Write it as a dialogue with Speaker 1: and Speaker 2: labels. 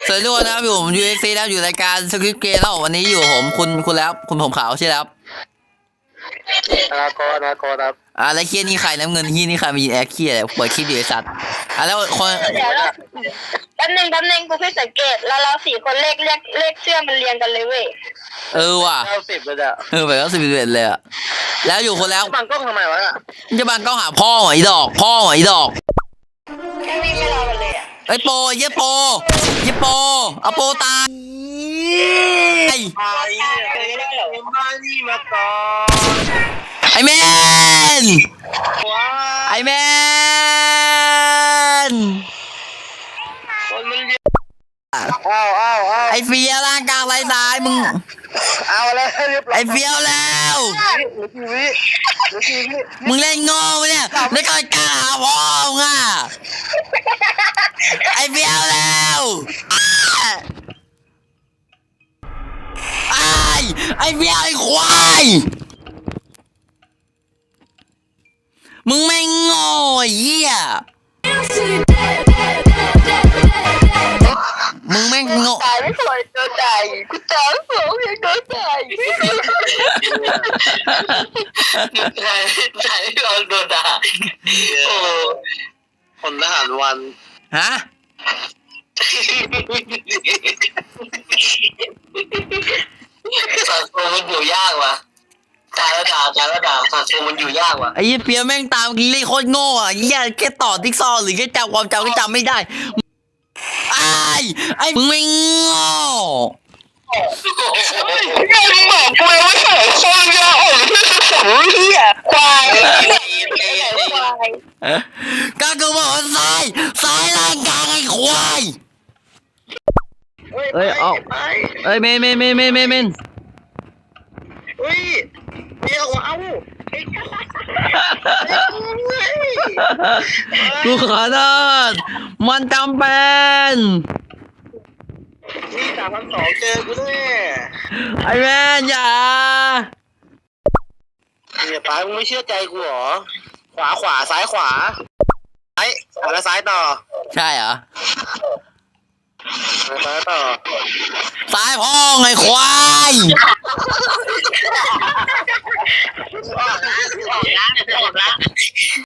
Speaker 1: สวัสดีทุกคนนะครับอยู่ผม UXC แล้วอยู่รายการสคริปต์เกมแล้ววันนี้อยู่ผมคุณแล้วคุณผมขาวใช่แล้ว
Speaker 2: นาโกครับ
Speaker 1: แล้วเคียนี่ใครน้ำเงินที่นี่ใครมายินแอคเคียเปิดคลิปอยู่ไอ้สัตว์แล้วคน
Speaker 3: เดี๋ยวเราแป๊บนึงกูเพิ่งสังเกตแล้วเราสี่คนเลขเสื้อมันเรียงกันเลยเว้ย
Speaker 1: ว่ะ
Speaker 2: 90เลยอ่ะ
Speaker 1: ไปแล้ว11เลยอะแล้วอยู่คนแล้ว
Speaker 2: บังกล้องทำไมวะน่ะ
Speaker 1: จะบังกล้องหาพ่อหไอ้ดอกพ่อไอ้ดอก
Speaker 3: แค่วิ่งไม่รอกันเลยอ่ะ
Speaker 1: ไอ้โปเยี่ยโปเอาโปตาย
Speaker 2: ไอ้มานี่มาก่อน
Speaker 1: ไอ้แมน
Speaker 2: ว้า
Speaker 1: ไอ้แมน
Speaker 2: คนมันเยอะอ้าว
Speaker 1: ไอ้เฟียร่างกลางไรสายมึง
Speaker 2: เอาแล้วเรียบร้อย
Speaker 1: ไอ้เฟียวแล้ว
Speaker 2: หรือทีวิ
Speaker 1: มึงเล่นโง่ปะเนี่ยไม่เคยกล้าหาพ่อมึงอ่ะไอ้เฟียวแล้วไอ้เฟียวไอ้ควายมึงไม่งโง่ไอ้เหี้ยมึงไม่งโง่
Speaker 3: ตายไม่สวยโดนใจกูตายไม่สวยยังโดนใจ
Speaker 2: ใช่เราโดนด่าโอ้คนทหารวัน
Speaker 1: ฮะ
Speaker 2: สังคมมันอยู่ยากว่ะการระด่าสังคมมันอยู่ยากว่ะ
Speaker 1: ไอ้เหี้ยเฟียวแม่งตามกินเลยโคตรโง่อ่ะเหี้ยแค่ต่อติ๊กซอว์หรือแค่จำความจำก็จำไม่ได้ไอ้มึงไม่โง่
Speaker 3: ยังบอกกูเลยว่าเสือโคตรยาวที่สุดของเหี้ยควายควาย
Speaker 1: ก็กูบอกว่าซ้ายร่างกายไอ้ควายเอ้ยเอาเอ้ยเมน
Speaker 2: เฮ้ยเดี๋ยวเอา
Speaker 1: กูขอโทษมันจำเป็น
Speaker 2: นี่3,200เจอกูแน่
Speaker 1: ไอ้แม่อย่า
Speaker 2: เนี่ยป้ามึงไม่เชื่อใจกูเหรอขวาซ้ายขวาแล้วซ้ายต่อ
Speaker 1: ใช่เหรอ
Speaker 2: ซ้ายต่อ
Speaker 1: ซ้ายพ่อไงควาย
Speaker 2: ออกนะ